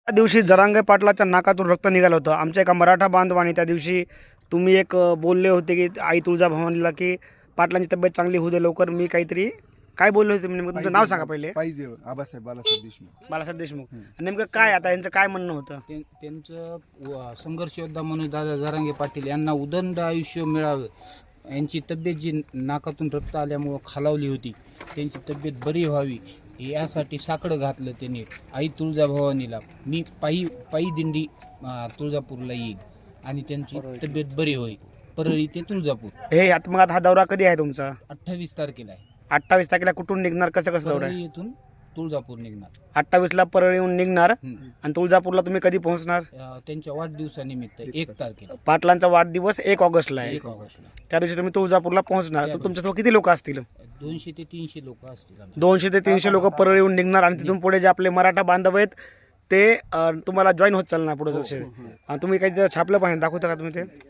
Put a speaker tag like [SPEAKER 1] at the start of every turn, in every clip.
[SPEAKER 1] त्या दिवशी जरांगे पाटलाच्या नाकातून रक्त निघालं होतं. आमच्या एका मराठा बांधवाने त्या दिवशी तुम्ही एक बोलले होते की आई तुळजाभवानीला की पाटलांची तब्येत चांगली होऊ दे लवकर. मी काहीतरी काय बोलले होते नेमकं तुमचं नाव सांगा पहिले.
[SPEAKER 2] पाहिजे आबासाहेब बालासाहेब देशमुख.
[SPEAKER 1] बालासाहेब देशमुख. नेमकं काय आता यांचं काय म्हणणं होतं?
[SPEAKER 3] त्यांचं संघर्ष योद्धा म्हणून दादा जरांगे पाटील यांना उदंड आयुष्य मिळावं, यांची तब्येत जी नाकातून रक्त आल्यामुळं खालावली होती त्यांची तब्येत बरी व्हावी यासाठी साकडं घातलं त्यांनी आई तुळजाभवानीला. मी पायी दिंडी तुळजापूरला येईल आणि त्यांची तब्येत बरी होईल. परळी ते तुळजापूर.
[SPEAKER 1] हे आता मग आता हा दौरा कधी आहे तुमचा?
[SPEAKER 3] 28 तारखेला आहे.
[SPEAKER 1] 28 तारखेला कुठून निघणार? कसं दौरा
[SPEAKER 3] परळी
[SPEAKER 1] आहे?
[SPEAKER 3] येथून तुळजापूर निघणार.
[SPEAKER 1] 28ला परळीहून निघणार आणि तुळजापूरला तुम्ही कधी पोहोचणार?
[SPEAKER 3] त्यांच्या वाढदिवसानिमित्त 1 तारखेला.
[SPEAKER 1] पाटलांचा वाढदिवस 1 ऑगस्टला आहे.
[SPEAKER 3] 1 ऑगस्टला
[SPEAKER 1] त्या दिवशी तुम्ही तुळजापूरला पोहोचणार. तर तुमच्यासोबत किती लोक असतील?
[SPEAKER 3] 200 ते 300 लोक असतील.
[SPEAKER 1] 200 ते 300 लोक परळीहून निघणार आणि तिथून पुढे जे आपले मराठा बांधव आहेत ते तुम्हाला जॉईन होत चालणार पुढे जसे. आणि तुम्ही काही तिथं छापलं पाहिजे, दाखवता का तुम्ही? ते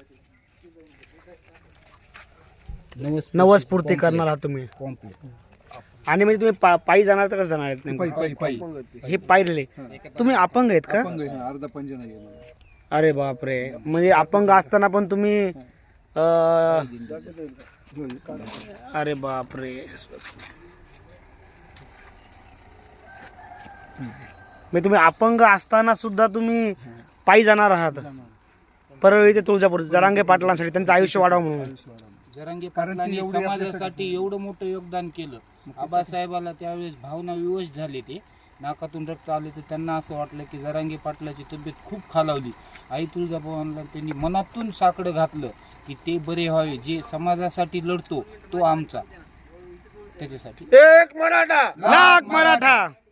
[SPEAKER 1] नवस्फूर्ती करणार आहात तुम्ही.
[SPEAKER 3] कॉम्प्लीट.
[SPEAKER 1] आणि म्हणजे तुम्ही पायी जाणार तर कसं जाणार आहेत नेमकं?
[SPEAKER 2] पायी
[SPEAKER 1] हे पायले तुम्ही अपंग आहेत का?
[SPEAKER 2] अर्धा पंजना गेला.
[SPEAKER 1] अरे बापरे. म्हणजे अपंग असताना पण तुम्ही अरे बापरे. म्हणजे तुम्ही अपंग असताना सुद्धा तुम्ही पायी जाणार आहात परळी ते तुळजापूर जरांगे पाटलांसाठी, त्यांचं आयुष्य वाढावं म्हणून.
[SPEAKER 3] जरांगे पाटलांनी समाजासाठी एवढं मोठं योगदान केलं. आबासाहेबाला त्यावेळेस भावना विवश झाले, ते नाकातून रक्त आले तर त्यांना असं वाटलं की जरांगे पाटलाची तब्येत खूप खालावली. आई तुळजाभवानीला त्यांनी मनातून साकडं घातलं की ते बरे व्हावे, जे समाजासाठी लढतो तो आमचा. त्याच्यासाठी
[SPEAKER 1] एक मराठा लाख मराठा.